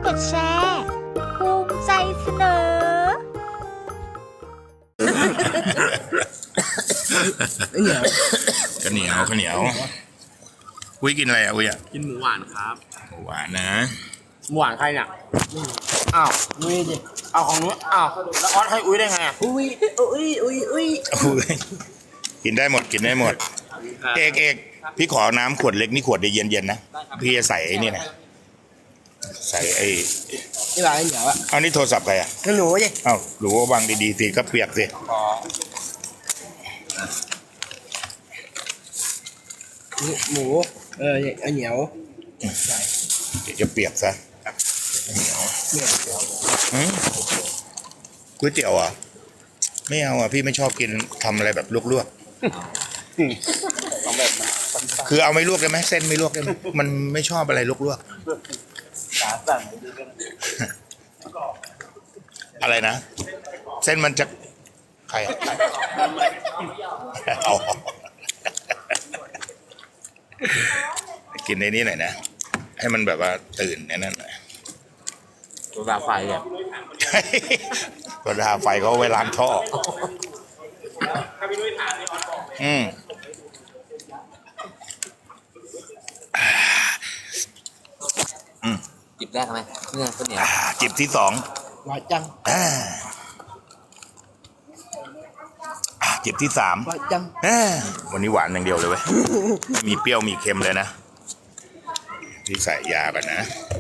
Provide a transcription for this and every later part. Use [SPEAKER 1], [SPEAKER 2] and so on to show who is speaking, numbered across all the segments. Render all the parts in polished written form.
[SPEAKER 1] ดแชร์ภูมิใจเสนอ
[SPEAKER 2] ข้าวเหนียวข้าวเหนียวอุ้ยกินอะไรอ่ะอุ้ยอ่ะ
[SPEAKER 3] กินหมูหวานครับ
[SPEAKER 2] หวานนะ
[SPEAKER 3] หมูหวานใครเนี่ยอ้าวนุ้ยดิเอาของนุ้ยอ้าวแล้วออสให้อุ้ยได้ไงอ่ะอุ้ย
[SPEAKER 2] อุ้ยกินได้หมดกินได้หมดเอกพี่ขอน้ำขวดเล็กนี่ขวดเดียวเย็นๆนะพี่จะใส่ไอ้นี่นะใส่ไอ้
[SPEAKER 3] ที่ร้านเหนียวอ่ะ
[SPEAKER 2] เอานี่โทรศัพท์ใครอ่ะ
[SPEAKER 3] ก็หนูดิ
[SPEAKER 2] เอ้าหรือว่าวางดีๆสิก็เปียกสิ
[SPEAKER 3] หมูเหนียว
[SPEAKER 2] เดี๋ยวจะเปียกซะเหนียว
[SPEAKER 3] เนี่ย
[SPEAKER 2] ก๋วยเตี๋ยวอ่ะไม่เอาอ่ะพี่ไม่ชอบกินทำอะไรแบบลวกๆ
[SPEAKER 3] ต้องแบบ
[SPEAKER 2] คือเอาไม่ลวกได้ไหมเส้นไม่ลวกได้ไหมมันไม่ชอบอะไรลวก
[SPEAKER 3] สาสั่น
[SPEAKER 2] ๆอะไรนะเส้นมันจะใครอะเอากินในนี้หน่อยนะให้มันแบบว่าตื่นในนั้นหน่อย
[SPEAKER 3] ตัวตาไฟอ่ะ
[SPEAKER 2] กระดาไฟเขาเอาไว้ล้างท่ออืม
[SPEAKER 3] จิบแรกไหมเนี่ยข้าวเหนียว
[SPEAKER 2] จิบที่สอง
[SPEAKER 3] หวานจัง
[SPEAKER 2] จิบที่สาม
[SPEAKER 3] หวานจัง
[SPEAKER 2] วันนี้หวานอย่างเดียวเลยเว้ยมีเปรี้ยวมีเค็มเลยนะที่ใส่ยากันนะ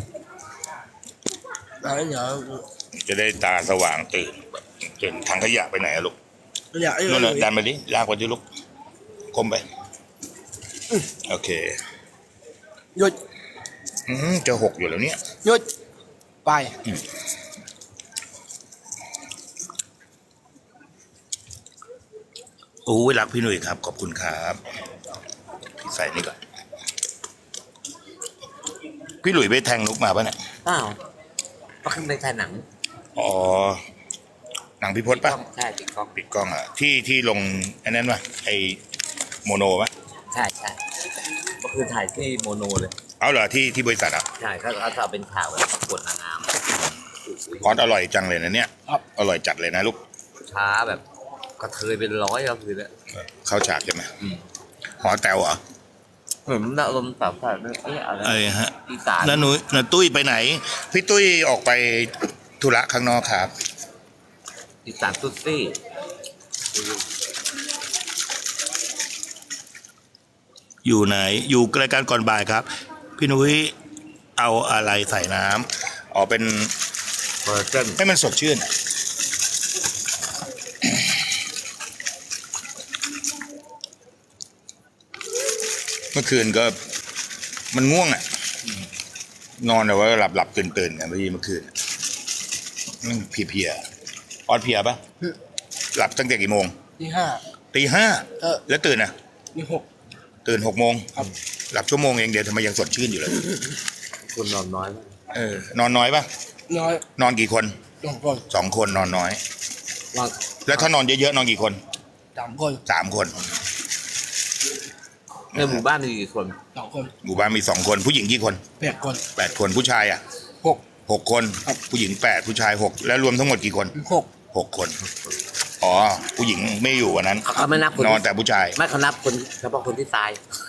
[SPEAKER 3] แล้วเหนียว
[SPEAKER 2] จะได้ตาสว่างตื่นถังขยะไปไหนอะลูก
[SPEAKER 3] เหนียว
[SPEAKER 2] นู่นน่ะดันไปดิลากไปที่ลูกคมไปโอเค
[SPEAKER 3] หยุด
[SPEAKER 2] จะหกอยู่แล้วเนี่ย
[SPEAKER 3] หยุดไป
[SPEAKER 2] โอ้ยรักพี่หนุ่ยครับขอบคุณครับใส่นี่ก่อนพี่หลุยไปแทงนุกมาป่ะเนี่ย
[SPEAKER 4] เปล่าก็ขึ้นไปถ่ายหนัง
[SPEAKER 2] อ๋อหนังพี่พศป่ะ
[SPEAKER 4] ใช่ปิดกล้อง
[SPEAKER 2] ปิดกล้องอ่ะที่ลงไอ้นั้นป่ะไอ้โมโนป่ะ
[SPEAKER 4] ใช่ก็คือถ่ายที่โมโนเลย
[SPEAKER 2] เอาเหรอที่บริษัทอ่ะ
[SPEAKER 4] ใช่เขาจะเป็นข่าวแบบประกวดนางงาม
[SPEAKER 2] คอสอร่อยจังเลยนะเนี่ยอร่อยจัดเลยนะลูก
[SPEAKER 4] ช้าแบบกระเทยเป็นร้อยก็คือเนี่ย
[SPEAKER 2] เข้าฉากใช่ไหมหอแตวเหรอ
[SPEAKER 4] เหมือนอารมณ์แบบอะไร
[SPEAKER 2] เอ้ยฮะ
[SPEAKER 4] อีสาน
[SPEAKER 2] แล้วหนูตุ้ยไปไหนพี่ตุ้ยออกไปธุระข้างนอกครับ
[SPEAKER 4] อีสานตุ๊ดซี่
[SPEAKER 2] อยู่ไหนอยู่รายการก่อนบ่ายครับ พี่นุ้ยเอาอะไรใส่น้ำอ๋อเป็น
[SPEAKER 4] เบอร์เกิ้ล
[SPEAKER 2] ให้มันสดชื่นเมื่อคืนก็มันง่วงอ่ะนอนแต่ว่าหลับตื่นกันเมื่อคืนเพลียออดเพลียปะหลับตั้งแต่กี่โมง
[SPEAKER 3] ที่ห้า
[SPEAKER 2] ตีห้าแล้วตื่นอ่ะ
[SPEAKER 3] ที่หก
[SPEAKER 2] ตื่น6 โมง
[SPEAKER 3] ครับ
[SPEAKER 2] หลับชั่วโมงเองเดี๋ยวทำไมยังสดชื่นอยู่เลย
[SPEAKER 4] คนนอนน้อยมาก
[SPEAKER 2] นอนน้อยปะ
[SPEAKER 3] น้อย
[SPEAKER 2] นอนกี่คน
[SPEAKER 3] 2 คน
[SPEAKER 2] 2 คนนอนน้อย
[SPEAKER 4] นอน
[SPEAKER 2] แล้วถ้านอนเยอะๆนอนกี่คน
[SPEAKER 3] 3 คน
[SPEAKER 2] 3 คน
[SPEAKER 4] ในหมู่บ้านมีกี่คน
[SPEAKER 3] 2 คน
[SPEAKER 2] หมู่บ้านมี2 คนผู้หญิงกี่คน
[SPEAKER 3] 8 คน
[SPEAKER 2] 8 คนผู้ชายอ่ะ
[SPEAKER 3] 6
[SPEAKER 2] 6 คน
[SPEAKER 3] ครับ
[SPEAKER 2] ผู้หญิง8ผู้ชาย6แล้วรวมทั้งหมดกี่คน 6 คนอ๋อผู้หญิงไม่อยู่วันนั้น
[SPEAKER 4] เขาไม่นับคน
[SPEAKER 2] นอนแต่ผู้ชาย
[SPEAKER 4] ไม่เขานับคนเฉพาะคนที่ตาย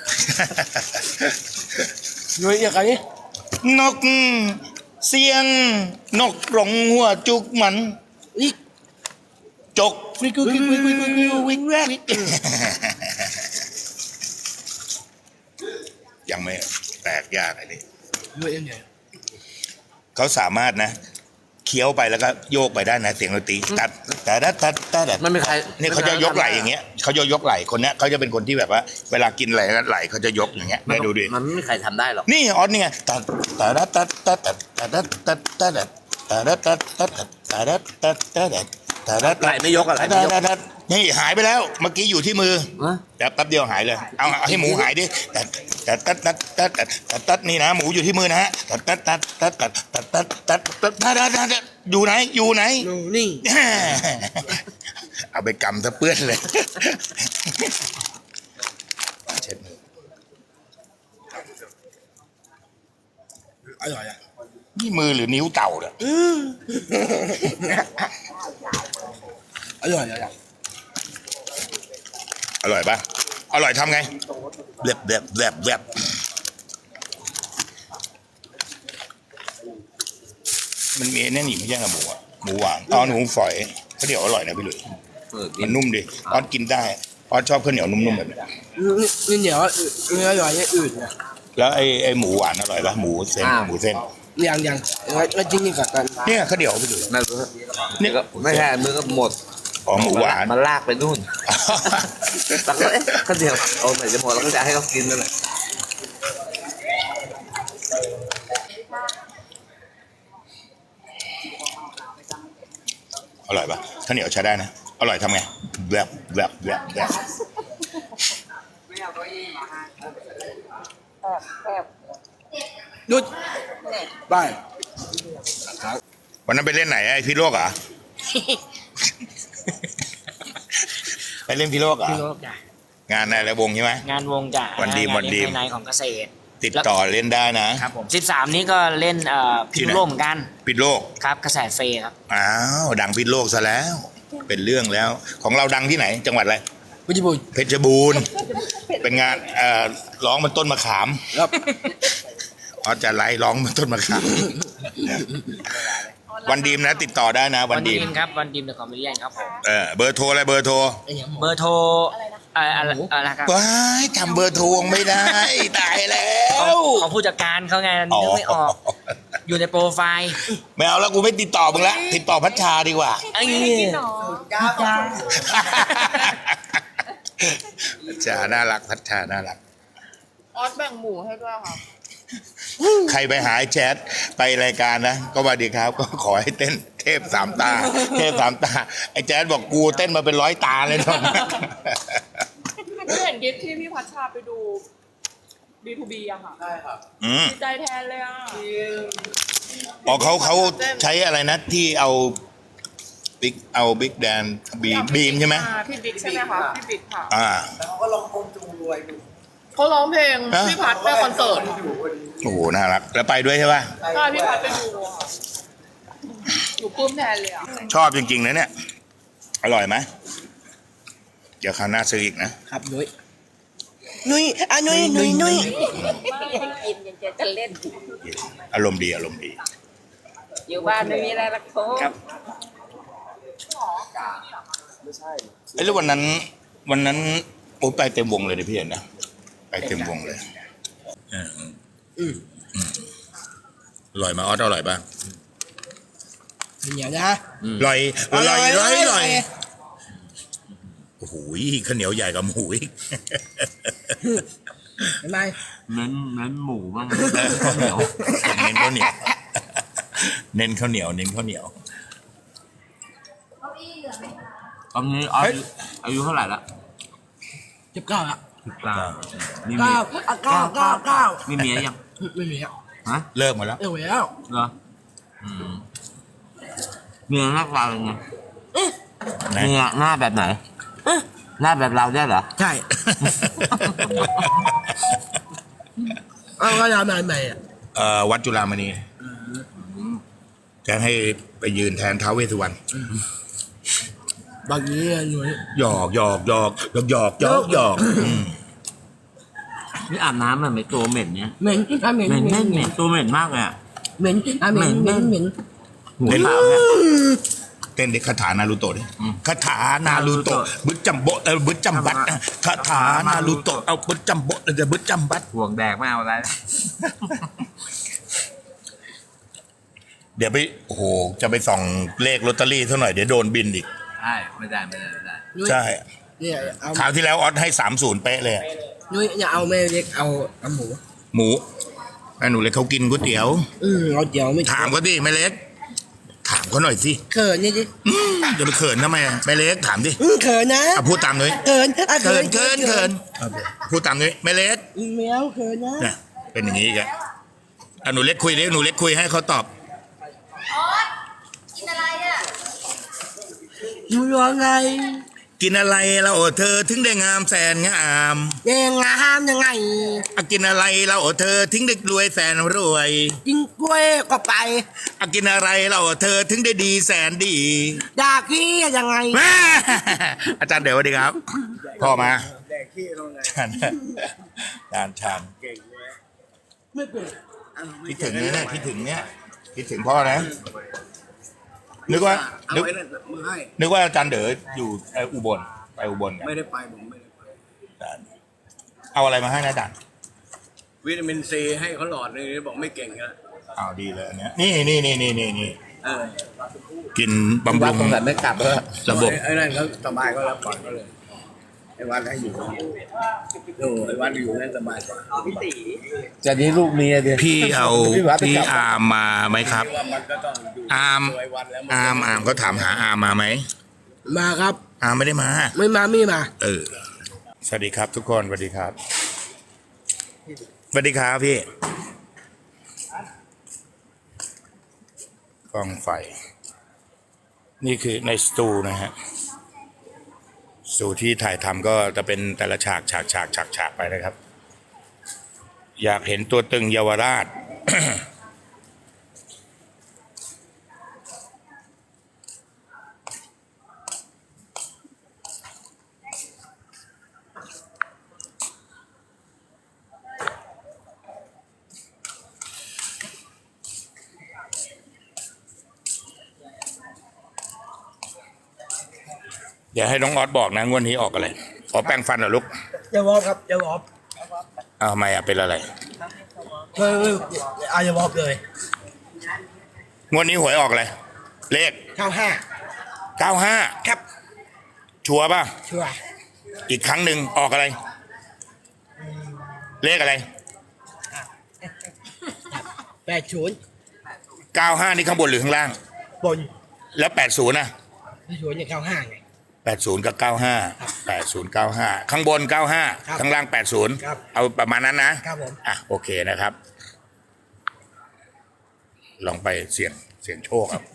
[SPEAKER 3] 6นุ้ยอย่างนี้
[SPEAKER 2] นกเสียงนกร้องหัวจุกมัน
[SPEAKER 3] อีก
[SPEAKER 2] จก
[SPEAKER 3] วิกวิกแรก
[SPEAKER 2] ยังไม่แตกยากอะไรนี่
[SPEAKER 3] นุ้ยยังไง
[SPEAKER 2] เขาสามารถนะเคี้ยวไปแล้วก็โยกไปได้นะเสียงดนตรีตัด
[SPEAKER 4] มันไม่ใคร
[SPEAKER 2] นี่เขาจะยกไหล่อย่างเงี้ยเขาจะยกไหล่คนเนี้ยเขาจะเป็นคนที่แบบว่า เวลากินอะไรไหล่เขาจะยกอย่างเงี้ยได้ดูดิ
[SPEAKER 4] มันไม่มีใครทำได้หรอก
[SPEAKER 2] นี่ออสนี่ไง
[SPEAKER 4] ไหล่ไม่ยกอะไรไม่ยก
[SPEAKER 2] นี่หายไปแล้วเมื่อกี้อยู่ที่มือ
[SPEAKER 4] ฮะ
[SPEAKER 2] แป๊บเดียวหายเลยเอาให้หมูหายดิตัดนี่นะหมูอยู่ที่มือนะฮะตัดอยู่ไหนอยู่ไหน
[SPEAKER 3] นี่
[SPEAKER 2] เอาไปกำซะเปื้อนเลยเช็ดมือ
[SPEAKER 3] อร่อยอ่ะ
[SPEAKER 2] นี่มือหรือนิ้วเต่าเนี่ย
[SPEAKER 3] อร่อยอร่อย
[SPEAKER 2] อร่อยปะอร่อยทำไงแลบมันมีแน่นนี่ไม่ใช่กระหมูอ่ะหมูหวานอ๋อหมูฝอยข้าวเหนียวอร่อยนะพี่หลุย มันนุ่มดิออสกินได้ออสชอบข้าวเหนียวนุ่มๆแบบนี้
[SPEAKER 3] นี่เหนียวเนื้ออร่อยอย่างอื่นนะ
[SPEAKER 2] แล้วไอ้หมูหวานอร่อยปะหมูเส้นหมูเส้น
[SPEAKER 3] ยังแล้วจริงนี่กับกัน
[SPEAKER 2] เนี่ยข้าวเหนียวพี่หลุย
[SPEAKER 4] ไม่รู้นี่ก็ไม่ใช่มือก็หมด
[SPEAKER 2] อ๋อหมูหวาน
[SPEAKER 4] มันลากไปนู่นแล้วก็ก็เดี๋ยวเอาไหนจะหมดแล้วก็จะให้เขากินนั่นแหละ
[SPEAKER 2] อร่อยปะข้าวเหนียวใช้ได้นะอร่อยทำไงแลบ
[SPEAKER 3] นุดไป
[SPEAKER 2] วันนั้นไปเล่นไหนไอ้พี่โลกเหรอ ไปเล่นพี่โลกเหรอ
[SPEAKER 5] พี่โลกจ้ะ
[SPEAKER 2] งานอะไรวงใช่ไหม
[SPEAKER 5] งานวงจ้ะ
[SPEAKER 2] วันดี
[SPEAKER 5] งา
[SPEAKER 2] วันดี
[SPEAKER 5] เลี้ยงภายในของเกษตร
[SPEAKER 2] ติดต่อเล่นได้นะครับ
[SPEAKER 5] ผม13นี้ก็เล่นพิมพ์โลกเหมือนกัน
[SPEAKER 2] ปิดโลก
[SPEAKER 5] ครับกระแสเฟย์ครับ
[SPEAKER 2] อ้าวดังปิดโลกซะแล้ว เป็นเรื่องแล้ว ของเราดังที่ไหน จังหวัดอะไร
[SPEAKER 3] พุทธิบุญ
[SPEAKER 2] เพชรบูรณ์เป็นงานร้องบนต้นมะขาม
[SPEAKER 3] ครับ
[SPEAKER 2] เขาจะไล่ร้องบนต้นมะขาม วันดีมนะ ติดต่อได้นะ วันดีม
[SPEAKER 5] ครับวันดีมเดอะคอมเมดี้ครับผม
[SPEAKER 2] เบอร์โทรอะไรเบอร์โทร
[SPEAKER 5] เบอร์โทรอะไรครับ
[SPEAKER 2] ว้ายจำเบอร์โทรไม่ได้ ตายแล้
[SPEAKER 5] ข
[SPEAKER 2] ว
[SPEAKER 5] องผู้จัดการเขาไงนึกไม่ออก อยู่ในโปรไฟล์
[SPEAKER 2] ไม่เอาแล้วกูไม่ติดต่อมึงละติดต่อพัชชาดีกว่า
[SPEAKER 5] ไอ้
[SPEAKER 2] พัชชาน่ารักพัชชาน่ารัก
[SPEAKER 6] ออสแบ่งหมูให้ด้วยค่ะ
[SPEAKER 2] ใครไปหาไอ้แชทไปรายการนะก็ว่าดีครับ ก็ขอให้เต้นเทพสามตา เทพสามตา ไอ้แจ๊ดบอกกูเต้นมาเป็น100 ตาเลยตอนนี้
[SPEAKER 6] ไม่เห็นคลิปที่พี่พัชชาไปดู B2B อะค่ะ
[SPEAKER 2] อืม
[SPEAKER 6] ดีใจแทนเลยอะ
[SPEAKER 2] อ๋อเขาใช้อะไรนะที่เอาบิ๊กแดนบีมใช่ไหม
[SPEAKER 6] พี่บิ๊กใช่ไหมคะพี่บิ๊กค่ะ
[SPEAKER 2] อ่า
[SPEAKER 6] เขาร้องเพลง
[SPEAKER 2] ฮะ
[SPEAKER 6] พี่พัชไปคอนเสิร์ต
[SPEAKER 2] โอ้โหน่ารักแล้วไปด้วยใช่ป่ะ
[SPEAKER 6] ใช่พี่พัชไปดูค่ะอยู่ปลื้มแทนเลยอะ
[SPEAKER 2] ชอบจริงๆนะเนี่ย อร่อยไหมเดี๋ยวคราวหน้าซื้ออีกนะครับ
[SPEAKER 3] นุ้ยนุ้ยนุ้ย
[SPEAKER 1] กินยังจะเล่น
[SPEAKER 2] อารมณ์ดีอารมณ์ดี
[SPEAKER 1] อยู่บ้านไม่มีอะไรหรอกโค้
[SPEAKER 5] ครับ
[SPEAKER 2] เอ้ยแล้ววันนั้นโอ้ไปเต็มวงเลยนะพี่เห็นนะไปเต็มวงเลยอร่อยไหมาออสอร่อยป่ะ
[SPEAKER 3] เหนียวนะ
[SPEAKER 2] อร่อย
[SPEAKER 3] อร่อย
[SPEAKER 2] โอ้โหข้าวเหนียวใหญ่กับหมูอีก
[SPEAKER 3] เห็นไหม
[SPEAKER 4] เน้นหมูบ้าง
[SPEAKER 2] เน้นข้าวเหนียว เน้นข้าวเหนียวเน้นข้าวเหนียว
[SPEAKER 4] ตอนนี้อายุเท่าไหร่ละ
[SPEAKER 3] 19อ่ะ
[SPEAKER 4] 19มีเมีย
[SPEAKER 3] 9
[SPEAKER 4] มีเมียยัง
[SPEAKER 3] ไม่มีอ่ะ
[SPEAKER 4] ฮะ
[SPEAKER 2] เลิกหมดแล้ว
[SPEAKER 3] เออแล้ว
[SPEAKER 4] เหรอเมียหน้าตาเป็นไง
[SPEAKER 2] นะ
[SPEAKER 4] เมียหน้าแบบไหนหน้าแบบเราได้เหรอ
[SPEAKER 3] ใช่เอาก็ยาวนานใหม่อ่ะ
[SPEAKER 2] วัดจุฬามณีจะให้ไปยืนแทนท้าวเวสสุวรรณ
[SPEAKER 3] บางทีหนุ่ย
[SPEAKER 2] หยอกอืม
[SPEAKER 4] นี่อาบน้ำมันไม่ตัวเหม็นเนี่ย
[SPEAKER 3] เหม็น
[SPEAKER 4] เหม็นตัวเหม็นมากเลยอ่ะ
[SPEAKER 3] เหม็นเหม็น
[SPEAKER 4] หัวขาวเนี่ย
[SPEAKER 2] เต้นดิคาถานารูโตะดิคาถานารูโตะบึ้จัมโบบึ้จัมบัตคาถานารูโตะเอาบึ้จัมโบจะบึ้จัมบัต
[SPEAKER 4] ห่วงแดกไม่เอาอะไร
[SPEAKER 2] เดี๋ยวไปโอ้โหจะไปส่องเลขลอตเตอรี่เท่าหน่อยเดี๋ยวโดนบินอีก
[SPEAKER 4] ใช่ไม่ได้
[SPEAKER 2] ใช่
[SPEAKER 3] เนี่ยเอา
[SPEAKER 2] คราวที่แล้วออสให้30เป๊ะเลยอะ
[SPEAKER 3] นุ้ยอย่าเอาแม่เล็กเอาหมู
[SPEAKER 2] หมูแม่หนูเล็กเขากินก๋วยเตี๋ยว
[SPEAKER 3] เอาเดี๋ยวไม่
[SPEAKER 2] ถามเขาดิแม่เล็ก ถามเขาหน่อยสิ
[SPEAKER 3] เขินนี่ดิ
[SPEAKER 2] จะไปเขินทำไมอะแม่เล็กถามดิ
[SPEAKER 3] เขินนะ
[SPEAKER 2] พูดตามหน่อย
[SPEAKER 3] เขิน
[SPEAKER 2] เขินพูดตามหน่อยแม่เล็ก
[SPEAKER 3] แมวเขินนะ
[SPEAKER 2] เนี่ยเป็นอย่างนี้อีกอะหนูเล็กคุยดิหนูเล็กคุยให้เขาตอบ
[SPEAKER 3] อยู่ยังไง
[SPEAKER 2] กินอะไรเราเธอถึงได้งามแสนงาม
[SPEAKER 3] ยังงามยังไง
[SPEAKER 2] กินอะไรเราเธอถึงได้รวยแสนรวย
[SPEAKER 3] กินกล้วยก็ไป
[SPEAKER 2] กินอะไรเราเธอถึงได้ดีแสนดี
[SPEAKER 3] ดาขี้ยังไง
[SPEAKER 2] แม่ อาจารย์เดี๋ยวสวัสดีครับพ่อมาอาจารย์คิดถึงเนี่ยคิดถึงเนี่ยคิดถึงพ่อนะนึกว่าอาจารย์เด๋ออยู่อุบลไปอุบลกัน
[SPEAKER 7] ไม่ได้ไปผมไม่ได้ไป
[SPEAKER 2] เอาอะไรมาให้นะอาจารย์
[SPEAKER 7] วิตามินซีให้เขาหลอดนึงบอกไม่เก่งนะ
[SPEAKER 2] เอาดีเลยอันเนี้ยนี่
[SPEAKER 7] เออ
[SPEAKER 2] กินบำรุง
[SPEAKER 4] แต่ไม่กลับแล้ว
[SPEAKER 2] ระบบ
[SPEAKER 7] ไอ้นั่นเขาสบายก็รับก่อนก็เลยไอ้วันให้อยู่โอ้ไอ้วันอยู่นั่นสบายกว่า
[SPEAKER 4] จะนี้ลูกเมียเดียว
[SPEAKER 2] พี่เอาพี่อาร์มมาไหมครับ
[SPEAKER 7] ว่ามันก็ต้องอยู่
[SPEAKER 2] อาร์ม
[SPEAKER 7] ตัวไอ้วันแล้ว
[SPEAKER 2] อาร์มเขาถามหาอาร์มมาไหม
[SPEAKER 3] มาครับ
[SPEAKER 2] อาร์มไม่ได้มา
[SPEAKER 3] ไม่มาไม่มา
[SPEAKER 2] สวัสดีครับทุกคนสวัสดีครับสวัสดีครับพี่กล้องไฟ นี่คือในสตูนะฮะสตูที่ถ่ายทำก็จะเป็นแต่ละฉากไปนะครับ อยากเห็นตัวตึงเยาวราช อย่าให้น้องออสบอกนะงวดนี้ออกอะไรขอแปรงฟันเหรอลูก
[SPEAKER 3] อย่าวอบครับอย่าวอบ
[SPEAKER 2] อ้าวทำไมเป็นอะไร
[SPEAKER 3] ไม่อย่าวอบเลย
[SPEAKER 2] งวดนี้หวยออกอะไรเลข
[SPEAKER 3] 95
[SPEAKER 2] 95
[SPEAKER 3] ครับ
[SPEAKER 2] ชัวร์ป่ะ
[SPEAKER 3] ชัวร์
[SPEAKER 2] อีกครั้งหนึ่งออกอะไร เลขอะไร
[SPEAKER 3] 80
[SPEAKER 2] 95 นี่ข้างบนหรือข้างล่าง
[SPEAKER 3] บน
[SPEAKER 2] แล้ว 80นะ
[SPEAKER 3] 80อย่าง95ไง
[SPEAKER 2] 80 กับ 95 80 95 ข้างบน
[SPEAKER 3] ครับ
[SPEAKER 2] 95 ข้างล่าง 80
[SPEAKER 3] ครับ
[SPEAKER 2] เอาประมาณนั้นนะครับ
[SPEAKER 3] ผม
[SPEAKER 2] โอเคนะครับ ลองไปเสี่ยงโชคครับ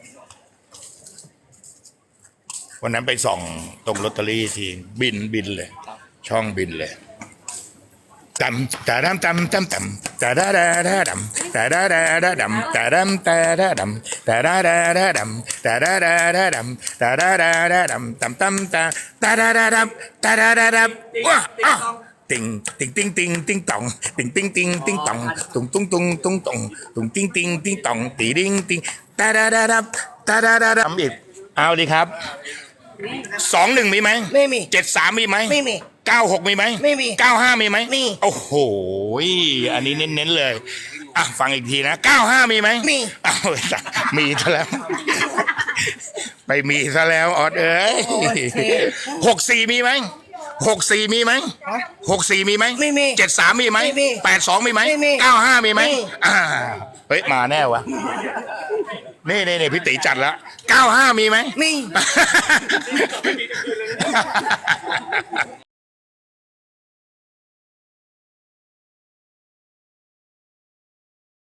[SPEAKER 2] วันนั้นไปส่องตรงลอตเตอรี่ทีบินเลย ช่องบินเลยตำตาดำตำตำตำตาดาดาดาดำตาดาดาดาดำตาดำตาดาดำตาดาดาดาดำตาดาดาดาดำตาดาดาดาดำตำตำตาตาดาดาดำตาดาดาดำว้าติงติงติงติงติงตองติงติงติงติงตองตุงตุงตุงตุงตองตุงติงติงติงตองตีดิงติงตาดาดาดำตาดาดาดำอีกเอาดีครับ21มีไหม
[SPEAKER 3] ไม่มี
[SPEAKER 2] 73มีไหม
[SPEAKER 3] ไม่มี
[SPEAKER 2] 96มีไหม
[SPEAKER 3] ไม่มี
[SPEAKER 2] 95มีไหม
[SPEAKER 3] มี
[SPEAKER 2] โอ้โหอันนี้เน้นๆเลยฟังอีกทีนะ95มีไหม
[SPEAKER 3] มี
[SPEAKER 2] อ้าวมีซะแล้ว ไปมีซะแล้วออดเอ้ย64มีไหม64มีไหม64มีไหม
[SPEAKER 3] ไม่มี
[SPEAKER 2] 73มีไหม
[SPEAKER 3] ไม่มี
[SPEAKER 2] 82มีไหม
[SPEAKER 3] ไม่มี
[SPEAKER 2] 95มีไหม
[SPEAKER 3] ไม่มี
[SPEAKER 2] เฮ้ยมาแน่วะนี่พี่ตีจัดแล้ว95มีไหม
[SPEAKER 3] มี